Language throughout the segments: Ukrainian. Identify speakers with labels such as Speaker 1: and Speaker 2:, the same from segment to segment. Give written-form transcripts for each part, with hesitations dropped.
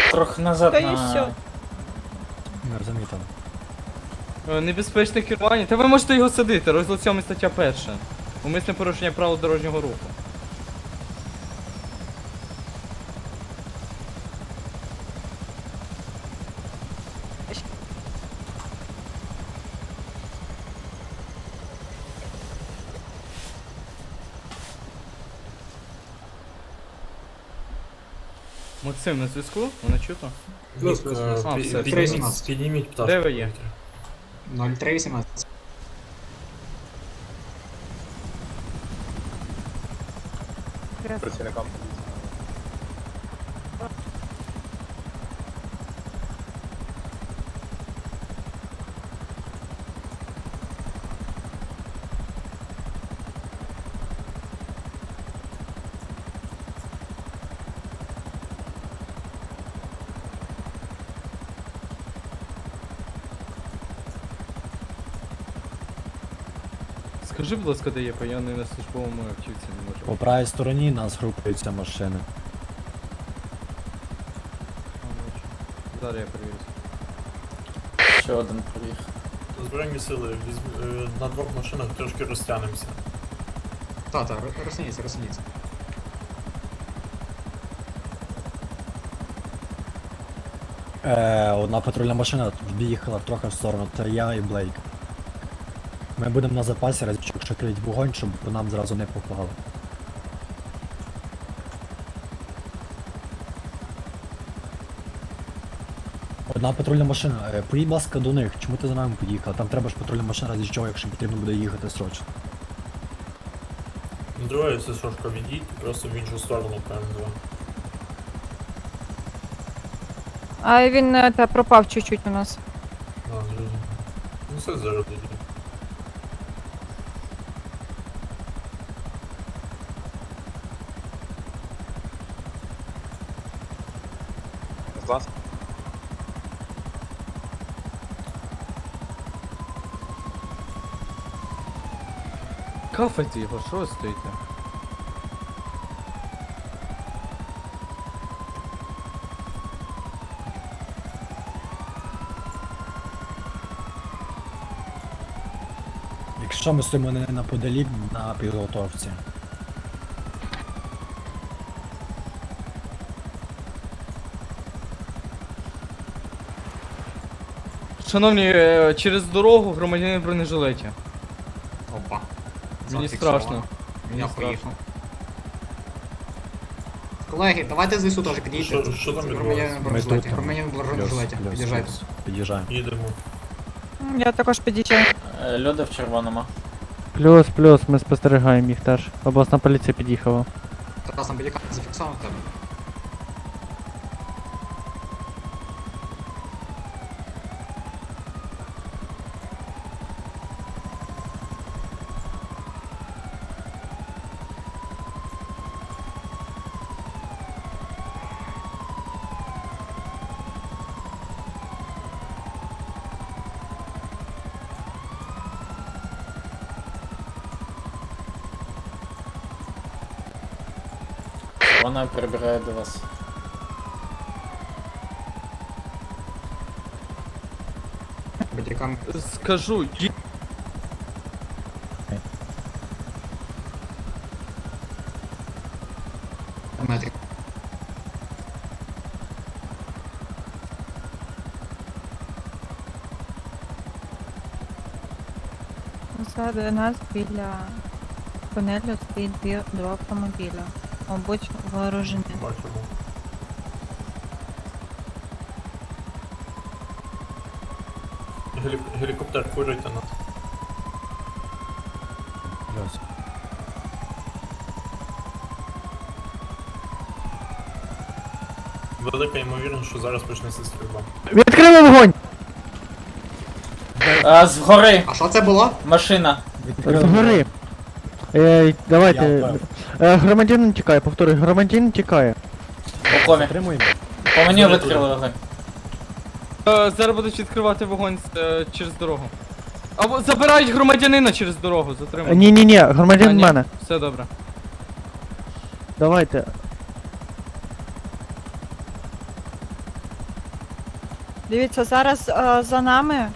Speaker 1: Трохи назад
Speaker 2: Та і
Speaker 1: на...
Speaker 2: все.
Speaker 3: Не розумію там.
Speaker 2: Небезпечне керування. Та ви можете його садити, розділ 7 стаття 1. Умисне порушення правил дорожнього руху. Максим, на зв'язку? Вона чутно?
Speaker 4: Плюс,
Speaker 2: А, все,
Speaker 4: підніміть пташку.
Speaker 2: Де ви є?
Speaker 5: 0318.
Speaker 6: Працівникам.
Speaker 2: Скажи, будь ласка, де є, бо я не на службовому автівці не можу.
Speaker 3: По правій стороні нас групуються машини.
Speaker 2: Зараз я перевірю.
Speaker 1: Ще один приїхав.
Speaker 4: Збройні сили, на двох машинах трошки розтягнемося.
Speaker 5: Та, розсуніться, розсуніться.
Speaker 3: Одна патрульна машина від'їхала трохи в сторону, це я і Блейк. Ми будемо на запасі, разів якщо крить вогонь, щоб по нам зразу не попало. Одна патрульна машина, поїдь, будь ласка, до них, чому ти за нами поїхав? Там треба ж патрульна машина, разі чого, якщо потрібно буде їхати срочно.
Speaker 4: Друге, ССОшка відійдь, просто в іншу сторону, ПМ2.
Speaker 7: А він пропав чуть-чуть у нас.
Speaker 4: А, зрозуміло. Ну все зараз тоді.
Speaker 6: З вас?
Speaker 2: Кафайте його, що ви стоїте?
Speaker 3: Якщо ми стоїмо не неподалік на підготовці.
Speaker 2: Шановні, через дорогу громадянин в бронежилеті.
Speaker 5: Опа.
Speaker 2: Мені
Speaker 5: Зафіксовано.
Speaker 2: страшно.
Speaker 5: Я
Speaker 2: Мені
Speaker 5: поїхав.
Speaker 2: страшно.
Speaker 5: Колеги, давайте з ЗСУ теж підійдіть.
Speaker 4: Що там
Speaker 5: Громадянин
Speaker 4: відбувається?
Speaker 5: в бронежилеті.
Speaker 3: тут.
Speaker 5: Громадянин в бронежилеті. Під'їжджайте.
Speaker 3: Під'їжджаємо.
Speaker 4: Їдемо.
Speaker 7: Я також підійшов.
Speaker 1: Люди в червоному.
Speaker 8: Плюс, ми спостерігаємо їх теж. Обласна поліція під'їхала.
Speaker 5: Тарас, там під'їхати зафіксовано в тебе.
Speaker 1: Вона прибирає до вас.
Speaker 5: Бодікам.
Speaker 2: Скажу,
Speaker 5: Метрик.
Speaker 7: Ззаду нас біля тунелю стоїть два автомобіля. Мабуть, вооружені.
Speaker 4: Бачимо. Гелікоптер, курите нас.
Speaker 3: Плюс.
Speaker 4: Велика ймовірність, що зараз почнеться стрільба.
Speaker 8: Відкрили вогонь!
Speaker 1: Згори!
Speaker 5: А що це було?
Speaker 1: Машина!
Speaker 8: Згори!
Speaker 3: Я
Speaker 8: Давайте.
Speaker 3: впав.
Speaker 8: Громадянин тікає, повторюю, громадянин тікає.
Speaker 1: У комі.
Speaker 3: Затримуємо.
Speaker 1: По мені відкрили вогонь.
Speaker 2: зараз будуть відкривати вогонь через дорогу. Або забирають громадянина через дорогу, затримують.
Speaker 8: Ні,
Speaker 2: А,
Speaker 8: громадянин
Speaker 2: ні,
Speaker 8: мене.
Speaker 2: Все добре.
Speaker 8: Давайте.
Speaker 7: Дивіться, зараз за нами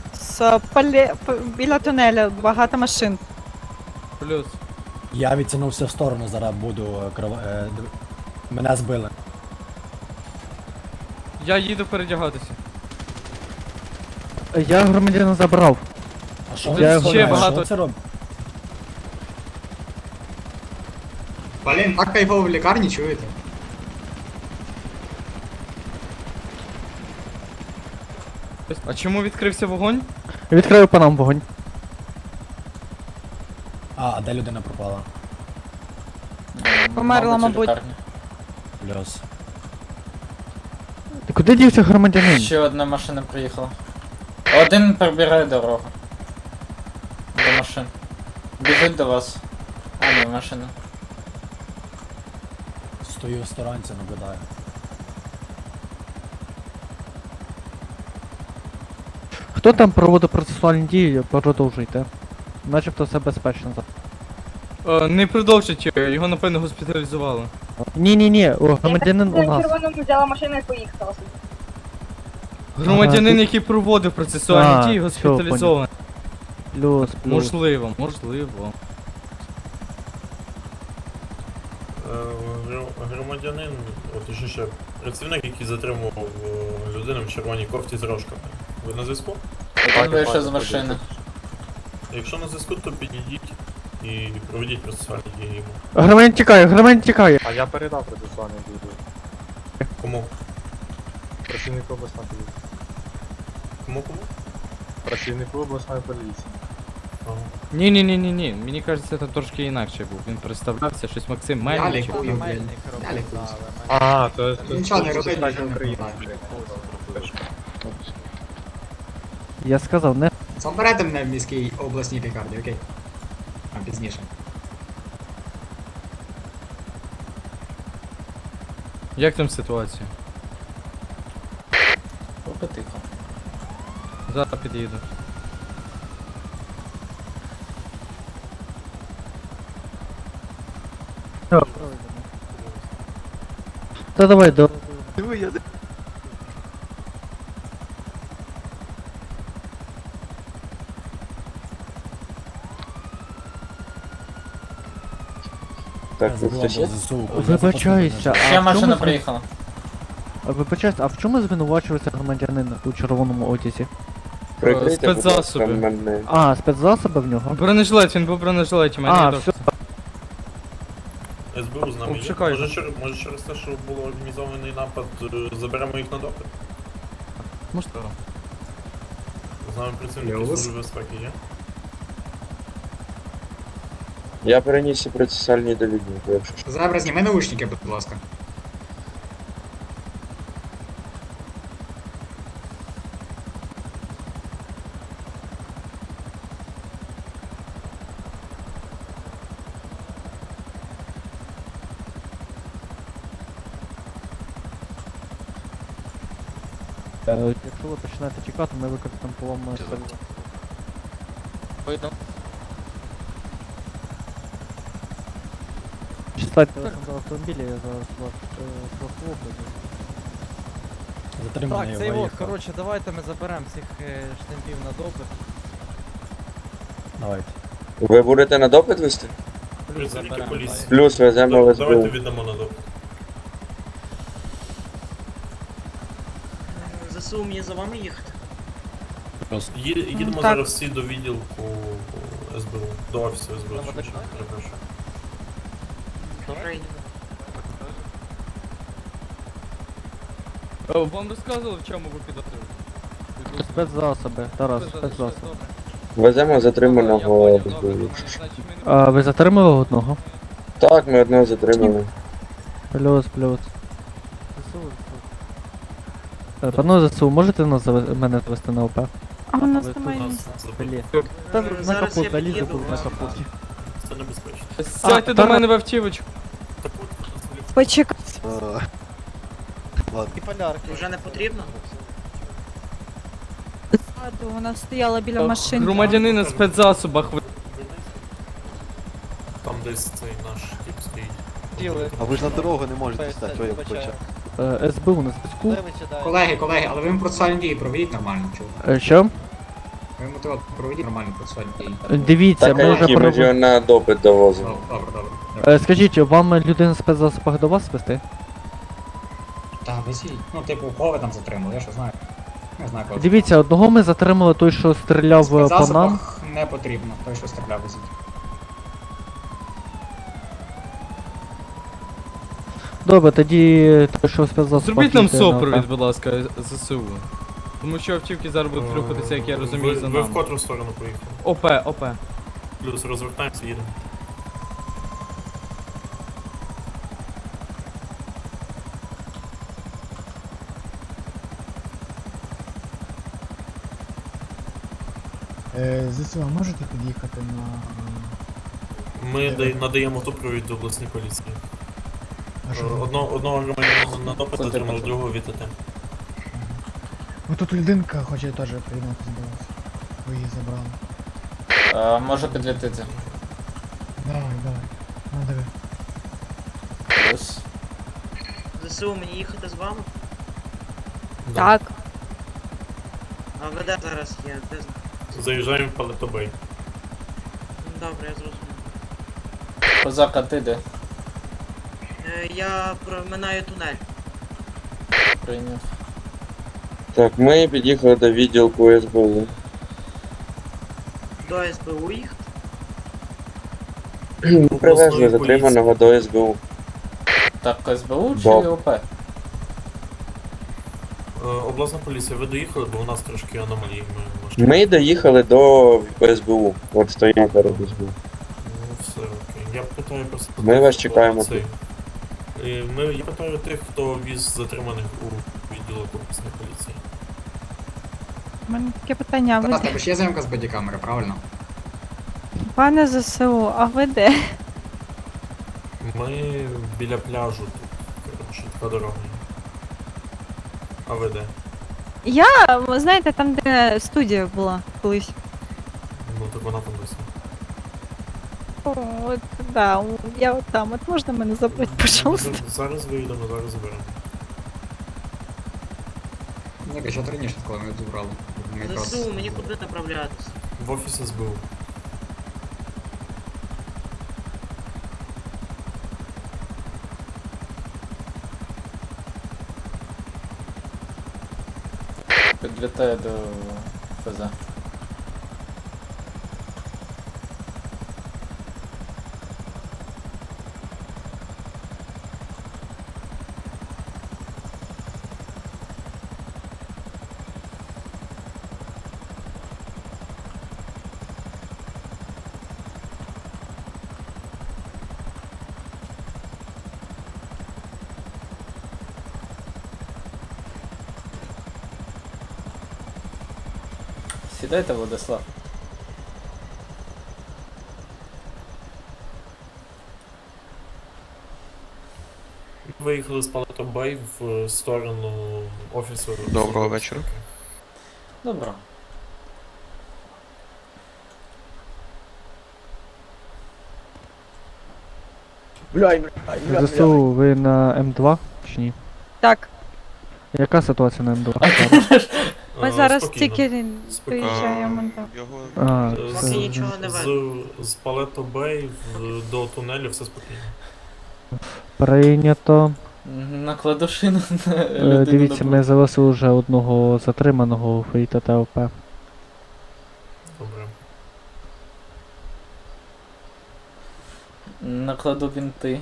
Speaker 7: біля тунеля багато машин.
Speaker 2: Плюс.
Speaker 3: Я відтягнувся в сторону, зараз буду мене збили.
Speaker 2: Я їду передягатися.
Speaker 8: Я громадянина забрав.
Speaker 3: А що
Speaker 2: Я
Speaker 3: ви
Speaker 2: ще
Speaker 3: що
Speaker 2: багато-
Speaker 3: це робить?
Speaker 5: Блін, так кайфово в лікарні, чуєте?
Speaker 2: А чому відкрився вогонь?
Speaker 8: Відкрию по нам вогонь.
Speaker 3: А де людина пропала?
Speaker 7: Померла,
Speaker 1: у
Speaker 7: мабуть.
Speaker 1: лікарні.
Speaker 3: Плюс.
Speaker 8: Ти куди дівся громадянин?
Speaker 1: Ще одна машина приїхала. Один прибирає дорогу. До машин. Біжить до вас. А, ні, машина.
Speaker 3: Стою в сторонці, наблюдаю.
Speaker 8: Хто там проводив процесуальні дії, продовжуйте. Начебто все безпечно.
Speaker 2: Не продовжить, його напевно госпіталізували.
Speaker 8: Ні, громадянин у нас.
Speaker 9: червоному взяла машину і поїхала собі.
Speaker 2: Громадянин,
Speaker 8: ти-
Speaker 2: який проводив процесуальні дії,
Speaker 8: всьо,
Speaker 2: госпіталізований.
Speaker 8: Плюс.
Speaker 2: Можливо.
Speaker 4: Громадянин, точніше, працівник, який затримував людину в червоній кофті з рожками. Ви на зв'язку?
Speaker 1: Один вийшов з машини.
Speaker 4: Якщо на зв'язку, то підійдіть і проведіть процесуальні дії йому.
Speaker 8: Громадянин тікає.
Speaker 6: А я передав процесуальний дію.
Speaker 4: Кому?
Speaker 6: Працівнику обласної поліції.
Speaker 4: Кому?
Speaker 6: Працівнику обласної поліції.
Speaker 4: Ага.
Speaker 2: Ні. Мені кажеться, це трошки інакше був. Він представлявся, щось Максим
Speaker 5: Я
Speaker 2: Мельник.
Speaker 5: лікую, блін. Я лікуюсь.
Speaker 6: А, то
Speaker 5: Нічого не робить,
Speaker 6: так
Speaker 5: нічого не
Speaker 6: Україна.
Speaker 8: Я сказав, не.
Speaker 5: Заберете мене в міській обласній лікарні, окей? А пізніше.
Speaker 2: Як там ситуація?
Speaker 1: Поки тихо.
Speaker 2: Зараз під'їду.
Speaker 8: Та давай до.
Speaker 6: Так,
Speaker 3: Я забула, бо ЗСУ.
Speaker 8: Вибачаюся,
Speaker 1: Ще
Speaker 8: а в
Speaker 1: машина
Speaker 8: чому
Speaker 1: приїхала.
Speaker 8: Вибачаюся, а в чому звинувачується громадянин у червоному одязі?
Speaker 6: Прикрийте, будь ласка,
Speaker 2: спецзасоби.
Speaker 6: мене.
Speaker 8: А, спецзасоби в нього?
Speaker 2: Бронежилет, він був в бронежилеті, мене
Speaker 8: А,
Speaker 2: є
Speaker 8: все.
Speaker 4: СБУ з нами є.
Speaker 2: Обшукаю.
Speaker 4: Може через те, що було організований напад, заберемо їх на допит?
Speaker 2: Можливо.
Speaker 4: З нами працівники
Speaker 5: Плюс.
Speaker 4: Служби безпеки є?
Speaker 6: Я переніс і процесуальні довідні, якщо що.
Speaker 5: Зебра, зніми наушники, будь ласка.
Speaker 8: Якщо ви починаєте тікати, ми використаємо поломне стріло. Читайте телефон до автомобіля, я зараз вас прослухаю.
Speaker 3: Затриманий
Speaker 10: Так, цей вот,
Speaker 3: виїхав.
Speaker 10: коротше, давайте ми заберемо всіх штемпів на допит.
Speaker 3: Давайте.
Speaker 6: Ви будете на допит вести?
Speaker 4: Працівники
Speaker 10: заберемо,
Speaker 4: поліції.
Speaker 6: Плюс веземо в
Speaker 4: Давайте
Speaker 6: СБУ.
Speaker 4: віддамо на допит.
Speaker 9: ЗСУ мені за вами їхати.
Speaker 3: Плюс.
Speaker 4: Їдемо
Speaker 7: Так.
Speaker 4: зараз всі до відділку СБУ, до офісу СБУ, що перепрошую.
Speaker 2: Вам розказували, в чому ви підозрюєте?
Speaker 8: Спецзасоби, Тарас, спецзасоби.
Speaker 2: Добре.
Speaker 6: Веземо затриманого
Speaker 2: Я
Speaker 6: в
Speaker 2: понял,
Speaker 6: СБУ.
Speaker 2: добре,
Speaker 6: якщо що.
Speaker 2: значить, ми не
Speaker 8: А ви затримали одного?
Speaker 6: Так, ми одного затримали.
Speaker 8: Плюс. Пане ЗСУ, можете нас мене звести на ОП?
Speaker 7: А у нас
Speaker 8: Ви
Speaker 7: немає
Speaker 4: Нас
Speaker 7: місця.
Speaker 4: забрали.
Speaker 8: Та на
Speaker 9: Зараз
Speaker 8: капот
Speaker 9: я
Speaker 8: залізу,
Speaker 9: під'їду,
Speaker 8: буду на
Speaker 9: вас.
Speaker 8: капоті.
Speaker 4: Це небезпечно.
Speaker 2: Сядьте до
Speaker 8: Тарас.
Speaker 2: мене в автівочку.
Speaker 4: Так от,
Speaker 7: Почекай.
Speaker 9: Вже не потрібно?
Speaker 7: Ззаду, вона стояла біля машини.
Speaker 2: Громадянин на спецзасобах.
Speaker 4: там десь цей наш тип стоїть.
Speaker 10: А ви ж на дорогу не можете стати, ой, я
Speaker 8: СБУ на зв'язку.
Speaker 5: Колеги, але ви йому процесуальні дії проведіть нормально, чого?
Speaker 8: Що?
Speaker 5: Ви йому то проведіть нормально процесуальні дії.
Speaker 8: Дивіться,
Speaker 6: Так,
Speaker 8: ми
Speaker 6: а
Speaker 8: вже
Speaker 6: які ми ж його на допит довозимо?
Speaker 5: Добре.
Speaker 8: Скажіть, вам людина в спецзасобах до вас вести?
Speaker 5: Та, висіть. Ну, типу, кого ви там затримали, я що знаю. Не знаю, кого.
Speaker 8: Дивіться, одного ми затримали той, що стріляв
Speaker 5: В
Speaker 8: по нам.
Speaker 5: спецзасобах не потрібно, той, що стріляв, висіть.
Speaker 8: Добре, тоді той, що в спецзасобах.
Speaker 2: Зробіть нам
Speaker 8: їде на
Speaker 2: супровід,
Speaker 8: ОК.
Speaker 2: будь ласка, ЗСУ. Тому що автівки зараз будуть рухатися, як я розумію, за
Speaker 4: Ви в
Speaker 2: нами.
Speaker 4: котру сторону поїхали?
Speaker 2: ОП.
Speaker 4: Плюс розвертаємося, їдемо.
Speaker 10: ЗСУ, а можете під'їхати на...
Speaker 4: Ми надаємо супровід до обласної поліції. Одного громадянина на допит отримали, другого ВТТ.
Speaker 10: Ну тут людинка хоче теж приєднатися до вас. Ви її забрали.
Speaker 1: Може підлітити.
Speaker 10: Давай. Ну диви.
Speaker 1: Плюс.
Speaker 9: ЗСУ, мені їхати з вами?
Speaker 7: Так.
Speaker 9: А ви де зараз є? Де...
Speaker 4: Заїжджаємо в Палетобей.
Speaker 9: Добре, я зрозумів.
Speaker 1: Козака, ти де?
Speaker 9: Я проминаю тунель.
Speaker 1: Прийняв.
Speaker 6: Так, ми під'їхали до відділку СБУ.
Speaker 9: До СБУ їхати?
Speaker 6: Ми привезли затриманого до СБУ.
Speaker 1: Так, СБУ чи
Speaker 6: Боб.
Speaker 1: ОП?
Speaker 4: Обласна поліція, ви доїхали, бо у нас трошки аномалії. Ми
Speaker 6: Ми доїхали до СБУ. От стоїмо перед СБУ.
Speaker 4: Ну, все окей. Я питаю просто...
Speaker 6: Ми вас
Speaker 4: хто
Speaker 6: чекаємо
Speaker 4: цей. Я питаю тих, хто віз затриманих у відділок обласної поліції.
Speaker 7: У мене таке питання.
Speaker 5: Тарас, тебе ж є зйомка з бодікамери, правильно?
Speaker 7: Пане ЗСУ, а ви де?
Speaker 4: Ми біля пляжу тут. Коротше, така дорога. А ви де?
Speaker 7: Я, ви знаєте, там, де студія була колись.
Speaker 4: Ну так вона там десь.
Speaker 7: О, от, да, я от там. От можна мене забрати, пожалуйста?
Speaker 4: Зараз виїдемо, зараз заберемо.
Speaker 5: Ні, що раніше, коли ми зібрали. Ми якраз-
Speaker 9: ЗСУ, мені куди направлятися?
Speaker 4: В офіс СБУ.
Speaker 1: Підлітає до ФЗ. Сідайте, Владислав.
Speaker 4: Виїхали з Палетобей в сторону офісу.
Speaker 11: Доброго вечора.
Speaker 1: Добро.
Speaker 8: ЗСУ, ви на М2 чи ні?
Speaker 7: Так,
Speaker 8: Яка ситуація на М2?
Speaker 7: ми зараз
Speaker 4: Спокійно.
Speaker 7: тільки
Speaker 4: Спокійно.
Speaker 7: приїжджаємо. Так.
Speaker 11: Його
Speaker 8: А,
Speaker 9: Поки
Speaker 8: це-
Speaker 9: нічого не видно.
Speaker 4: З Палетобей до тунелю все спокійно.
Speaker 8: Прийнято.
Speaker 1: Накладу шину на людину.
Speaker 8: Дивіться,
Speaker 1: на
Speaker 8: ми залишили вже одного затриманого в ІТТОП.
Speaker 4: Добре.
Speaker 1: Накладу бінти.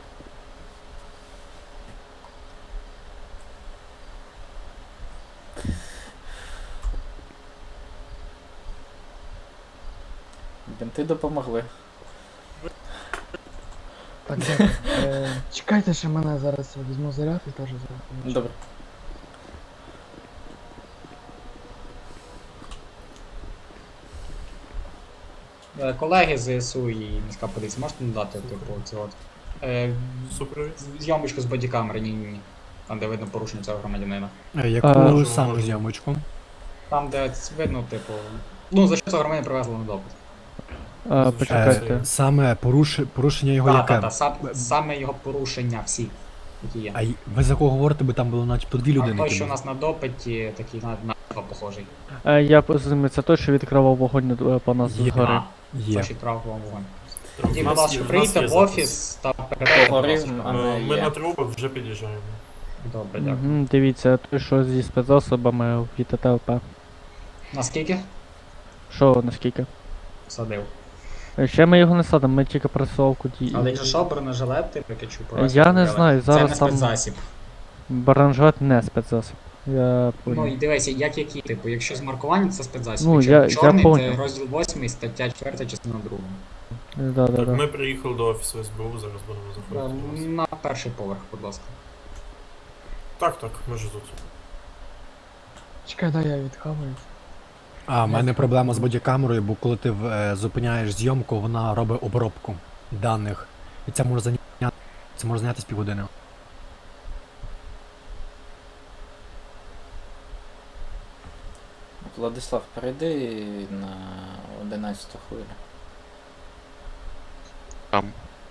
Speaker 1: Бінти допомогли.
Speaker 10: Так, дякую. Чекайте, що мене зараз візьму заряд і теж зараз.
Speaker 1: Добре.
Speaker 5: Колеги з ЗСУ і міська поліція, можете надати, типу, це от.
Speaker 4: Супровід.
Speaker 5: Зйомочку з бодікамери, ні. Там, де видно порушення цього громадянина.
Speaker 3: Яку
Speaker 4: Можемо,
Speaker 3: саме
Speaker 4: можемо.
Speaker 3: зйомочку?
Speaker 5: Там, де видно, типу. Ну, за що цього громадянина привезли на допит.
Speaker 8: Почекайте.
Speaker 3: Саме порушення його яке?
Speaker 5: Так, саме його порушення всі. Які є.
Speaker 3: А ви за кого говорите, бо там було начебто дві
Speaker 5: А
Speaker 3: людини.
Speaker 5: той,
Speaker 3: які
Speaker 5: що у
Speaker 3: були.
Speaker 5: нас на допиті, такий на похожий.
Speaker 8: Я це той, що відкривав вогонь по нас
Speaker 3: Є.
Speaker 8: згори.
Speaker 3: Є.
Speaker 5: Точить правого вогонь.
Speaker 4: У
Speaker 5: Тоді, будь
Speaker 4: нас
Speaker 5: ласка,
Speaker 4: є- у нас
Speaker 5: прийдіть
Speaker 4: є
Speaker 5: в
Speaker 4: запис.
Speaker 5: офіс та передайте.
Speaker 1: Погорів,
Speaker 5: будь ласка.
Speaker 1: а не
Speaker 4: Ми
Speaker 1: є.
Speaker 4: на трубах вже під'їжджаємо.
Speaker 5: Добре, дякую.
Speaker 8: Угу, дивіться, той, що зі спецзасобами від ТТЛП.
Speaker 5: Наскільки?
Speaker 8: Що, наскільки?
Speaker 5: Садив.
Speaker 8: Ще ми його не садимо, ми тільки пресовку дії.
Speaker 5: Але якщо що, бронежилет, ти прикачу
Speaker 8: Я не знаю,
Speaker 5: Це
Speaker 8: зараз
Speaker 5: не
Speaker 8: там
Speaker 5: спецзасіб.
Speaker 8: баранжет не спецзасіб. Я
Speaker 5: Ну
Speaker 8: понял.
Speaker 5: і дивися, як які, типу, якщо з маркуванням, це спецзасіб.
Speaker 8: Ну,
Speaker 5: якщо
Speaker 8: я
Speaker 5: чорний,
Speaker 8: понял.
Speaker 5: це розділ 8, стаття 4, частина 2.
Speaker 8: Да.
Speaker 4: Ми приїхали до офісу СБУ, зараз будемо заходити до вас.
Speaker 5: На перший поверх, будь ласка.
Speaker 4: Так, ми ж тут.
Speaker 10: Чекай, дай я відхаваю.
Speaker 3: А, в мене проблема з бодікамерою, бо коли ти зупиняєш зйомку, вона робить обробку даних. І це може зайняти з півгодини.
Speaker 1: Владислав, перейди на 11-ту хвилю.
Speaker 11: Там.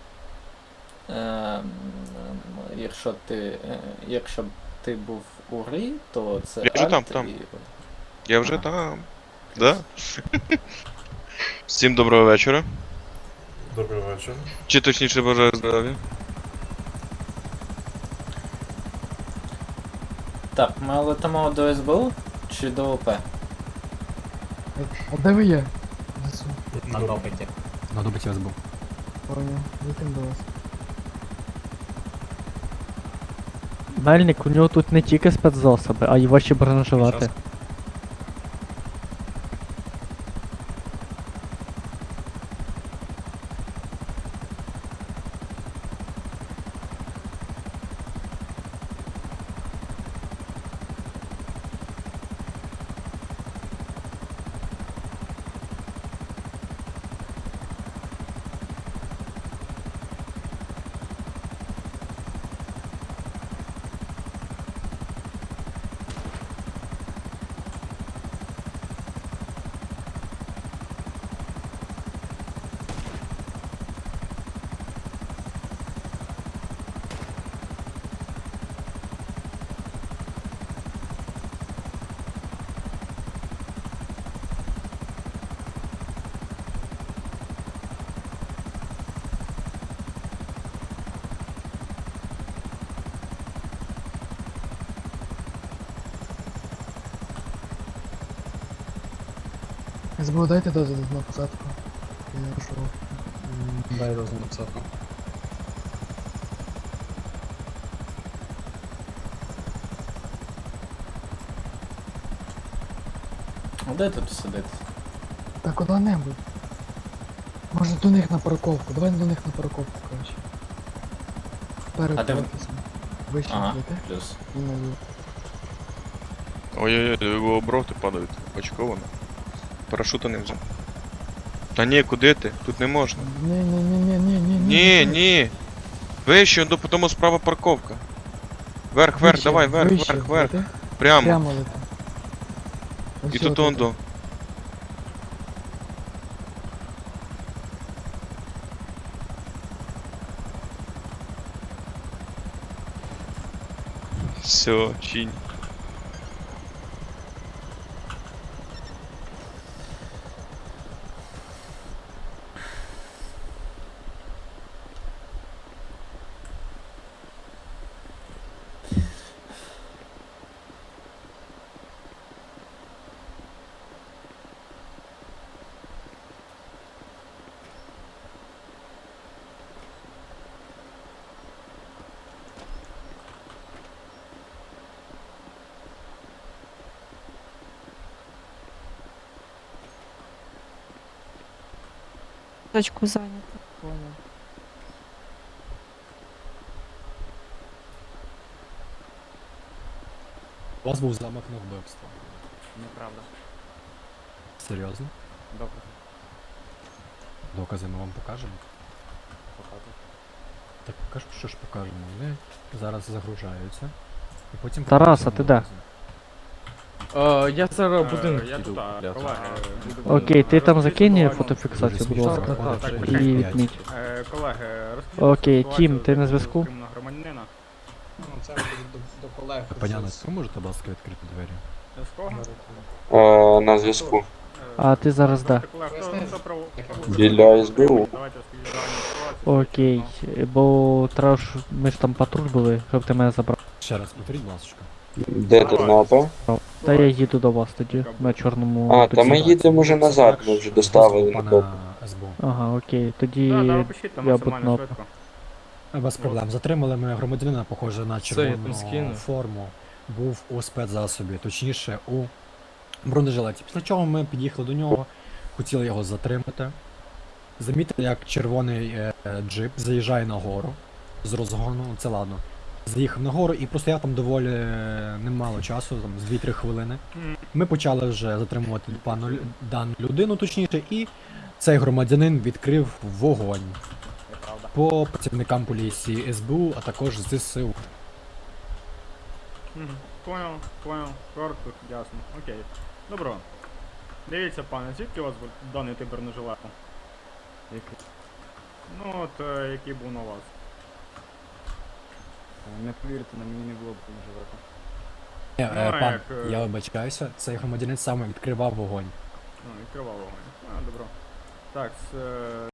Speaker 1: Якщо б ти був у грі, то це
Speaker 11: Я вже
Speaker 1: Alt
Speaker 11: там.
Speaker 1: і-
Speaker 11: Я вже
Speaker 1: Ага.
Speaker 11: там. Да? Всім доброго вечора.
Speaker 4: Добрий вечір.
Speaker 11: Чи точніше бажаю здоров'я.
Speaker 1: Так, ми летимо до СБУ чи до ОП?
Speaker 10: А де ви є? Несу.
Speaker 5: На допиті.
Speaker 3: На добиті СБУ.
Speaker 10: Понял. Летим до вас.
Speaker 8: Мельник, у нього тут не тільки спецзасоби, а й ваші бронежилети.
Speaker 10: СБУ, дайте дозвіл на посадку. Я пішов.
Speaker 5: Дай дозвіл на посадку.
Speaker 1: А де тут сидити?
Speaker 10: Та куди-небудь. Може до них на парковку. Давай до них на парковку, коротше. Перед
Speaker 1: А де ви-
Speaker 10: офісом. Вище
Speaker 1: Ага,
Speaker 10: йдете
Speaker 1: плюс.
Speaker 10: і наліво.
Speaker 11: Ой-ой-ой, його оброти падають. Очковано. Парашута не взяв. Та ні, куди ти? Тут не можна.
Speaker 10: Ні.
Speaker 11: Ні. Вище, потім справа парковка. Вверх, давай, вверх.
Speaker 10: Лети.
Speaker 11: Прямо.
Speaker 10: Прямо лети. Ось
Speaker 11: І
Speaker 10: сюди
Speaker 11: тут
Speaker 10: лети.
Speaker 11: ондо. Все, чинь.
Speaker 7: Точку зайнято.
Speaker 3: У вас був замах на вбивство.
Speaker 2: Неправда.
Speaker 3: Серйозно?
Speaker 2: Добре.
Speaker 3: Докази ми вам покажемо? Так кажу, що ж покажемо. Вони зараз загружаються. І потім
Speaker 8: Тарас, а
Speaker 3: покажемо
Speaker 8: ти де?
Speaker 3: докази.
Speaker 2: Я зараз будинок
Speaker 9: Я
Speaker 2: піду.
Speaker 9: тут, колеги.
Speaker 8: Окей, ти там закинь фотофіксацію, будь ласка.
Speaker 3: Так,
Speaker 8: І відміть.
Speaker 9: Колеги,
Speaker 8: Окей, Тім, ти на зв'язку?
Speaker 9: громадянина.
Speaker 5: це до колег.
Speaker 3: Паняна, ви можете, будь ласка, відкрити двері?
Speaker 6: На зв'язку.
Speaker 8: А ти зараз де?
Speaker 6: Біля СБУ.
Speaker 8: Окей. Бо треба ж ми ж там патруль були, щоб ти мене забрав.
Speaker 3: Ще раз, повторіть, будь ласка.
Speaker 6: Де ти на АП?
Speaker 8: Та я їду до вас тоді, на чорному.
Speaker 6: А, та ми
Speaker 8: таксі.
Speaker 6: їдемо вже назад, ми вже доставили на допит.
Speaker 3: Пана СБУ.
Speaker 8: Ага, окей, тоді я буду на АП.
Speaker 3: Без проблем. Затримали ми громадянина, похоже на
Speaker 2: Це я там
Speaker 3: червону
Speaker 2: скину.
Speaker 3: форму. Був у спецзасобі, точніше у бронежилеті. Після чого ми під'їхали до нього, хотіли його затримати. Замітили, як червоний джип заїжджає на гору з розгону, це ладно. Заїхав на гору і простояв там доволі немало часу, там з 2-3 хвилини. Ми почали вже затримувати дану людину, точніше, і цей громадянин відкрив вогонь по працівникам поліції СБУ, а також ЗСУ.
Speaker 12: Понял, коротко, ясно, окей. Добро. Дивіться, пане, звідки у вас даний тип бронежилету? Який? Ну от, який був на вас.
Speaker 5: Не повірте, на мені не було бронежилета.
Speaker 3: Пан,
Speaker 12: як,
Speaker 3: я вибачаюся, цей громадянин саме відкривав вогонь.
Speaker 12: Ну, відкривав вогонь. Добро. Так,